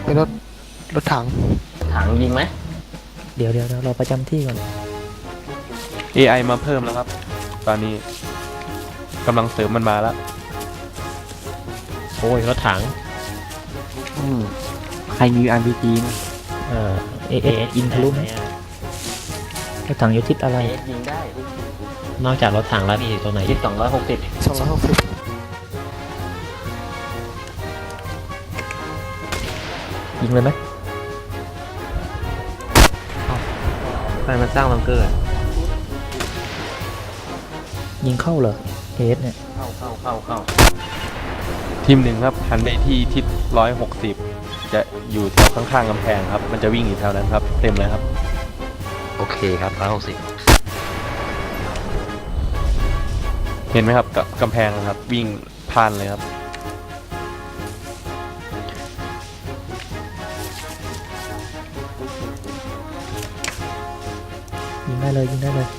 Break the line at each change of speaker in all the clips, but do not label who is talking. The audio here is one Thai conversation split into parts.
เป็นรถถัง
ยิงไหม
เดี๋ยวเราประจำที่ก่อน
AI มาเพิ่มแล้วครับ ตอนนี้กำลังเสริมมันมาแล้ว
โอ้ยรถถัง
ใครมี RPG นะ
เอยิงทะลุไหมรถถังอยู่ทิศอะไร
ยิงได้นอกจากรถถังแล้วมีตัวไหนที่260
ยิงเลยไหม
ใครมาสร้างบังเกอร์
ยิงเข้าเหรอเอสเนี่ย
เข้า
ทีมหนึ่งครับหันไปที่ทิศ160จะอยู่แถวข้างๆกำแพงครับมันจะวิ่งอยู่แถวนั้นครับเต็มเลยครับ
โอเคครับ160
เห็นไหมครับกับกำแพงครับวิ่งผ่านเลยครับ
ยิงได้เลย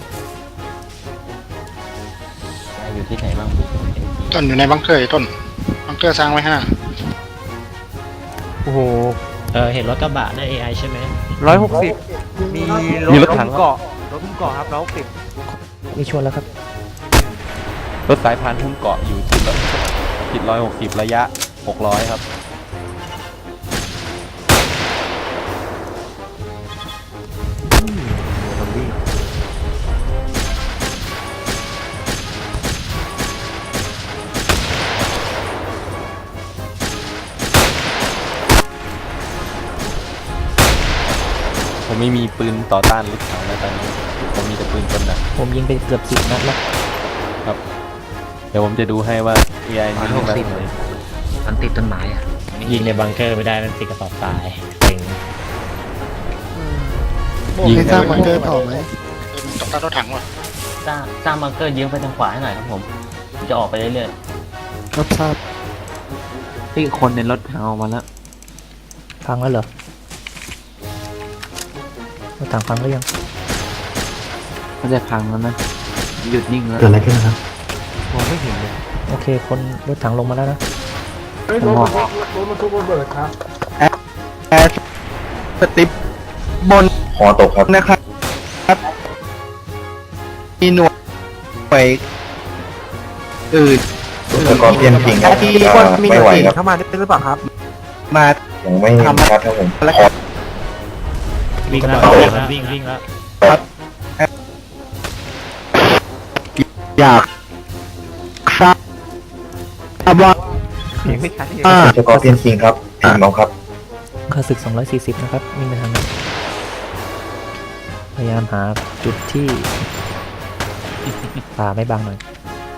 อยู่ที่ไหนบ้าง
ต้นอยู่ในบังเกอร์ต้นบังเกอร์สร้างไว้5
โอ้โห
เห็นรถกระบะใน AI ใช่ไหม
160
มีรถถัง
เกาะครับ
ไม่ชวนแล้วครับ
รถสายพานหุ้มเกาะอยู่ทิศ160ระยะ600ครับผมไม่มีปืนต่อต้านรถถังแล้วตอนนี้ผมมีแต่ปืนกลหนัก
ผมยิงไปเกือบ10 นัดแล้ว
ครับเดี๋ยวผมจะดูให้ว่า AI นี่มัน
ติดต้นไม้อ่ะยิงในบังเกอร์ไม่ได้มันติดกระสอบทรายเก่ง
ยิงสร้างบังเกอร์ต่อไหมต่อต้านรถถังวะ
สร้างบังเกอร์ยิงไปทางขวาให้หน่อยครับผมจะออกไปเรื่อย
ๆรับทราบ
ที่คนในรถถังออกมาแล้ว
พังแล้วเหรอรถถังพังหรือยัง
มันจะพังแล้วนะหยุดนิ่งแล้ว
เกิดอะไรขึ้นครับ
มองไม่เห็นเลย
โอเคคนรถถังลงมาแล้วนะ
รถมันทุกระเบิดครับแอร์สติปบน
หอตกครับ
นะครับมีหน่วยอื่น
แล้วก็เพียนพิงครับไม่ไหวครับ
เข้ามาได้หรือเปล่าครับมา
ยังไม่ชัดครับผม
วิ่งแล้ว
ครับอยากทราบว่า
สกอร์เพียนพิงครับทีมน้องครับ
ค่าศึก240นะครับวิ่งไปทางนั้นพยายามหาจุดที่ป่าไม่บังหน่อย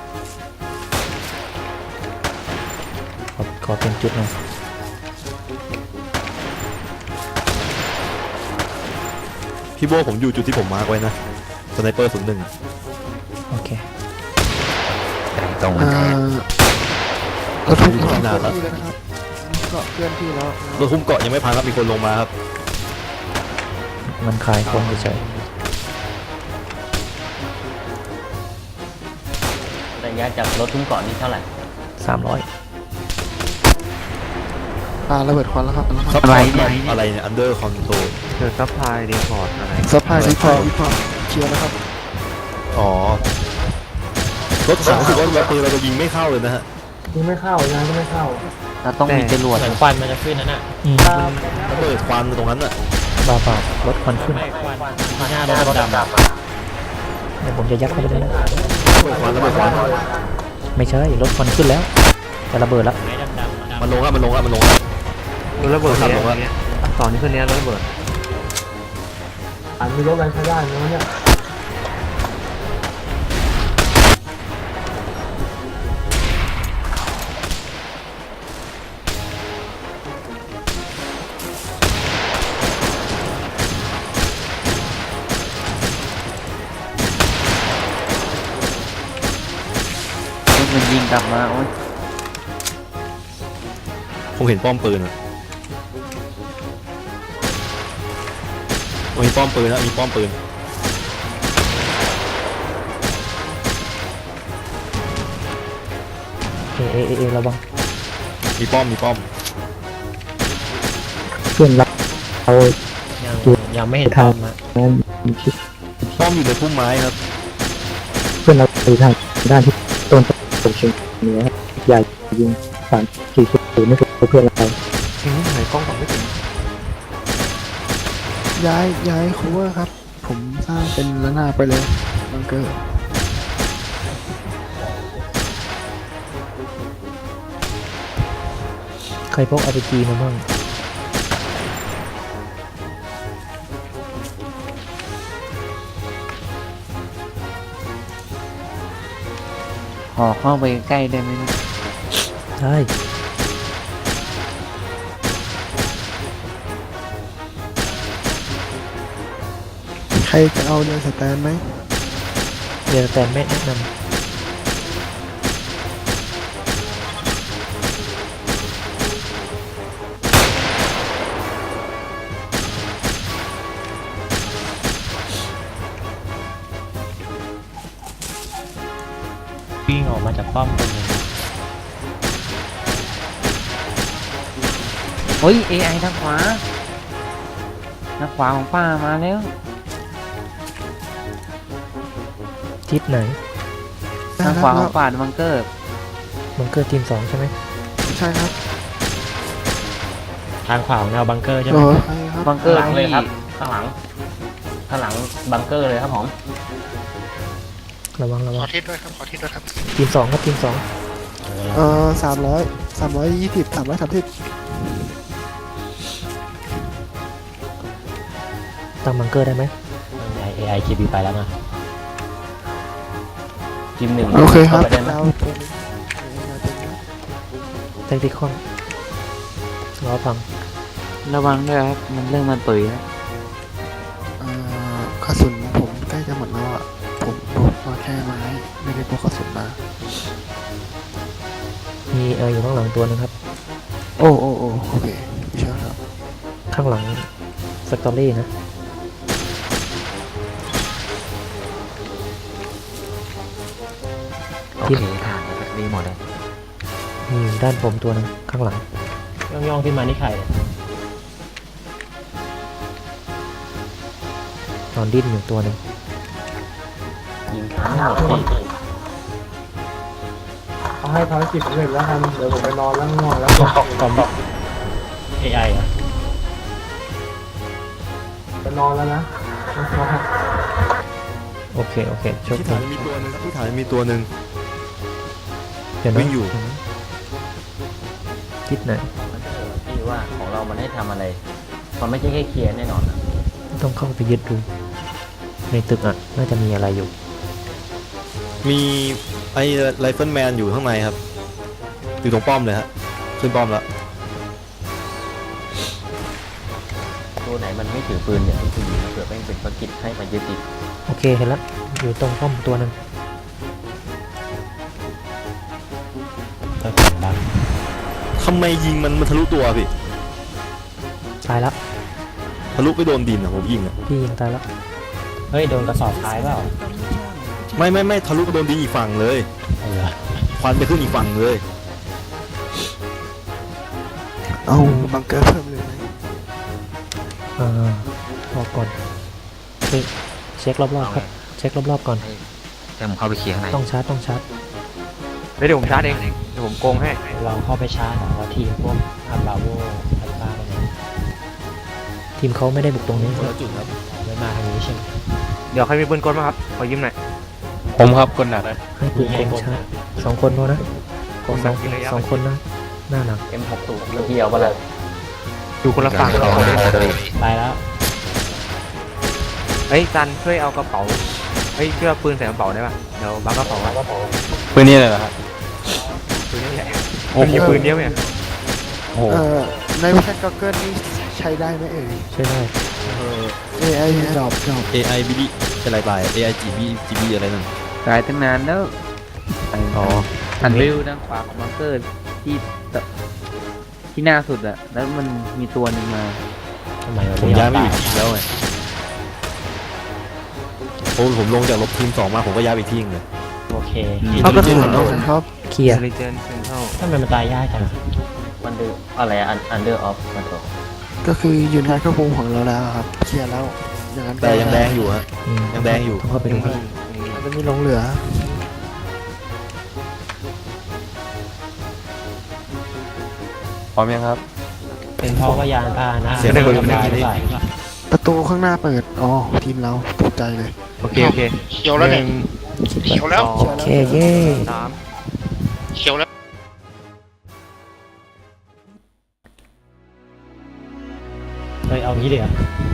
ขอเป็นจุดหน่อย
พี่โบผมอยู่จุดที่ผมมาร์กไว้นะสไนเปอร์01
โอเค
ตรง
รถทุกเกาะ
นานแล้ว
เพื่อนที่แล้ว
รถคุ้มเกาะยังไม่พังครับมีคนลงมาครับ
มันคลายคนเฉย
ระยะจากรถทุ่งเกาะนี่เท่าไหร่
300
ระเบิดควันแล้วครับ
อะไรเนี่ยอันเดอร์คอนโทรล
ซัพพลายรีพอร์ตอะไร
ซัพพลายรีพอร์ตเคลียร์แล้วครับ
อ๋อรถถังรู้สึกว่าปืนเราจะยิงไม่เข้าเลยนะฮะ
ยิงไม่เข้ายังไม่เข้า
เราต้องมีจรวด
เหมือนควันมันจะขึ้นนั่นน่ะ
มันเปิดควันตรงนั้นอ่ะ
บ้ารถควันขึ้น
หน้ารถดำ
เดี๋ยวผมจะยัดเข้าไปเลยนะ
เปิดควันแล้วเปิดควัน
ไม่ใช่รถควันขึ้นแล้วจะระเบิดแล้ว
มันลงครับรถระเบิดครับ
เนี่ยตอนนี้คือเนี้ยรถระเบิด
มีรถอะไรใช้ได้ไหมเนี่ย
มันยิงกลับมาโอ้ย
ผมเห็นป้อมปืนอ่ะมีป้อมปืนนะมีป้อมปืน
ระวัง
มีป้อม
พื่อนเรา
ยังไม่เห็นพร้อมอะ
คิด
ป้อมอยู่ในพุ่มไม้ครับ
เพื่อนเราไปทางด้านที่ต้นตกเฉียงเหนือใหญ่ยิง3-4 ไม่ถูกเพื่อนเรา
ย้าย cover ครับ ผมสร้างเป็นระนาบไปเลยบังเกอร์
ใครพก RPG มาบ้าง
ขอเข้าไปใกล้ได้ไหมเนี่ย
ใช่
ใครจะเอาเดินสแตนไหม
เดี๋ยวแต่ไม่แนะนำ
วิ่งออกมาจากป้อมตรงนี้
เฮ้ย AI ทางขวาของป้ามาแล้ว
ทิศไหน
ทางขวาของป้าบังเกอร์
บังเกอร์ทีม 2 ใช่ไหม
ใช่ครับ
ทางขวาของแนวบังเกอร์ใช่ไหม
ใช่ครับ
บังเกอร์
ข้างหลังเลย
ที่
ครับ ข้างหลังบังเกอร์เลยครับผม
ระวัง
ขอทิศด้วยครับ ขอทิศด้วยครับ
ทีม 2 ครับทีม 2
320 330
ตั้งบังเกอร์ได้ไหม
AI KB ไปแล้วนะทีม 1
โอเคครับ
ข้าไปได้ไหม
เราเป็น
แทคติคอนรอฟัง
ระวังด้วยครับ มันเริ่มมาตุ๋ยแล้ว
กระสุนผมใกล้จะหมดแล้วอ่ะ ผมพกมาแค่ไม้ ไม่ได้พกกระสุนมา
มีอยู่ข้างหลังตัวนึงครับ
โอ้โอเคไม่เชื่อครับ
ข้างหลังสตอรี่นะ
โอเคผ่านดีหมดเลย
มีอยู่ด้านผมตัวนึงข้างหลัง
ย่องขึ้นมานี่ใครเนี่ย
นอนดิ้นอยู่ตัวนึง
ยิงขาไม่หมดที่
เอาให้ภารกิจสำเร็จแล้วกันเดี๋ยวผมไปนอนแล้วง่วงแล้ว
คอม AI อ่ะ
ไปนอนแล้วนะ
โอเคโชค
ที่
ดี
ฐานมีตัวหนึ่งที่ฐานมีตัวหนึ่ง
เดี๋ยวนะ
วิ่งอยู่
ทิศไหน
ที่ว่าของเรามันให้ทำอะไร มันไม่ใช่แค่เคลียร์แน่นอนอะ
ต้องเข้าไปยึดดู ในตึกน่าจะมีอะไรอยู่
มีไอ้ไรเฟิลแมนอยู่ข้างในครับ อยู่ตรงป้อมเลยฮะขึ้นป้อมแล้ว
ตัวไหนมันไม่ถือปืนเนี่ยคือยิงเกิดแม่งเป็นภารกิจให้มันยึดติด
โอเคเห็นแล้วอยู่ตรงป้อมตัวนึง
ก็เสียงดัง
ทำไมยิงมันทะลุตัวพี่
ตายแล้ว
ทะลุไปโดนดินอ่ะผมยิงอ่ะ
พี่ยิงตายแล้ว
เฮ้ยโดนกระสอบท้ายเปล่า
ไม่ทะลุไปโดนดินอีกฝั่งเลย
เหรอ
ควันไปขึ้นอีกฝั่งเลย
เอาบังเกอร์เพิ่มเลยไหม
รอก่อนเช็ครอบๆครับ เช็ครอบๆก่อน
แต่ผมเข้าไปเคลียร์ข้างใน
ต้องชาร์จ
เดี๋ยวผมชาร์จเอง เดี๋ยวผมโกงให้
เราเข้าไปชาร์จหรอว่าทีมพวกอาบราโวอัลฟาอะไรเนี่ย
ทีมเขาไม่ได้บุกตรงนี้
คนละจุดครับ
ไม่มาทางนี้ใช่ไหม
เดี๋ยวใครมีปืนกลมาครับ ขอยืมหน่อย
ผมครับคนหนัก
ให้ปืนกลชาร์จ2 คนพอนะสองคนนะหน้าหนัก
M60 เมื่อกี้เอาไปเลย
อยู่คนละฝั่งเรา
ไปแล้ว
เฮ้ยจันช่วยเอากระเป๋า เฮ้ยช่วยเอาปืนใส่กระเป๋าได้ป่ะ เดี๋ยวบังกระเป๋าอะ
ปืนนี่เลยเหรอครับ
ปืนนี่แหละมันมีปืนเดียวเนี่ย
โอ้โห
ในวิชาก็เกิลนี่ใช้ได้ไหมเอ่ย
ช่วยได้
AI ดรอป
AI BD อะไรไป AI GB อะไรนั่น
ตายตั้งนานแล้ว
อ๋อ
หันวิวด้านขวาของบังเกอร์ที่หน้าสุดอะแล้วมันมีตัวหนึ่งมา
ทำไมวะ
ผมย้ายไม่อยู่ทีมแล้วไงโอ้ผมลงจากลบทีม 2 มาผมก็ย้ายไปอีกที่นึงเลย
โอเค
เอากระสุนเอาครับ
เคลียร์
เรเจนเซนเทล
ทำไมมันตายยากจังมันดูอะไรอันเดอร์ออฟมันตัว
ก็คืออยู่ในควบคุมของเราแล้วครับเคลียร์แล้วอย่างนั้น
แต่ยังแดงอยู่ฮะยังแดงอยู่
ต้องเข้าไปดูครับ
มันจะมีหลงเหลือ
พร้อมยังครับ
เป็นเพราะว่ายานพาหนะ
เสียงคนอยู่ใน
ห
นี้
รือเปล่า
ประตูข้างหน้าเปิดอ๋อทีมเราตกใจเลย
โอเคโอเค
เขียวแล้วเนี่ยเขียวแล้ว
เคลียร์
โอ
แล้ว
เคเย้
สาม
เขียวแล้ว
เฮ้ยเอางี้เลยเหรอ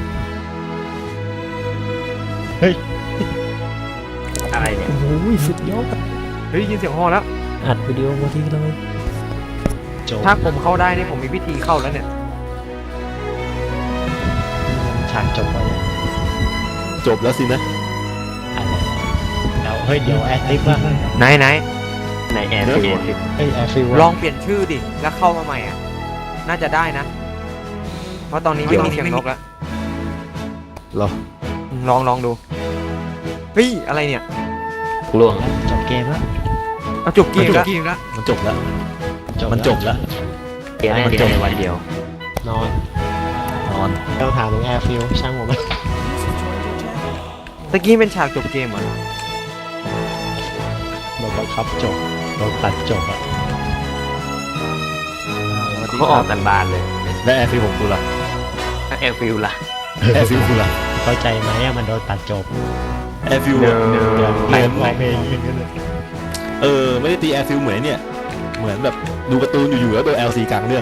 เฮ้ย
อะไรเนี่ย
โอ้ยสุดยอด
เฮ้ยยินเสียงฮอแล้ว
อัดวิดีโอมาทีเลยจบ
ถ้าผมเข้าได้เนี่ยผมมีวิธีเข้าแล้วเนี่ย
ฉากจบไปเลย
จบแล้วสินะ
อะไรแล้วเฮ้ยเดี๋ยวแอดลิฟต์ว่า
ไหนในแอร์ฟิว
เฮ้ยแอดฟิว
ลองเปลี่ยนชื่อดิแล้วเข้ามาใหม่อ่ะน่าจะได้นะ เพราะตอนนี้ไม่มีเสียงนกแล้ว
เหรอ
ลองดูเฮ้ยอะไรเนี่ย
ล่วงจบเกมแล้ว
เอาจบเกมแล้ว
มันจบแล้ว มันจบแล้ว
เกม
มันจบ
ในวันเดียว นอน
นอน
เราถามถึงแอร์ฟิวช่างผมไหม
ตะกี้เป็นฉากจบเกมเหรอ
โดนบังคับจบโดนตัดจบอะ
เขาออกกันบานเลย
และแอร์ฟิลของกูล่ะ
แอร์ฟิลล่ะ
แอร์ฟิลกูล่ะ
เข้าใจไหมอะมันโดนตัดจบ
แอร์ฟิล
เดิน
เหมือน
ร้องเพลงอย่างเงี้ยเลย
ไม่ได้ตีแอร์ฟิลเหมือนเนี่ย เหมือนแบบดูการ์ตูนอยู่ๆแล้วโดน LC กลางเรื่อง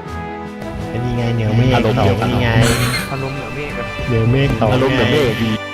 เป็นยังไงเหนือเมฆ
อารมณ์
ต่อ
เดียวกัน
ยังไง
พนมเหนือเมฆอะ
เหนือเมฆต่อ
อารมณ์แบบ
ไง
เมฆดี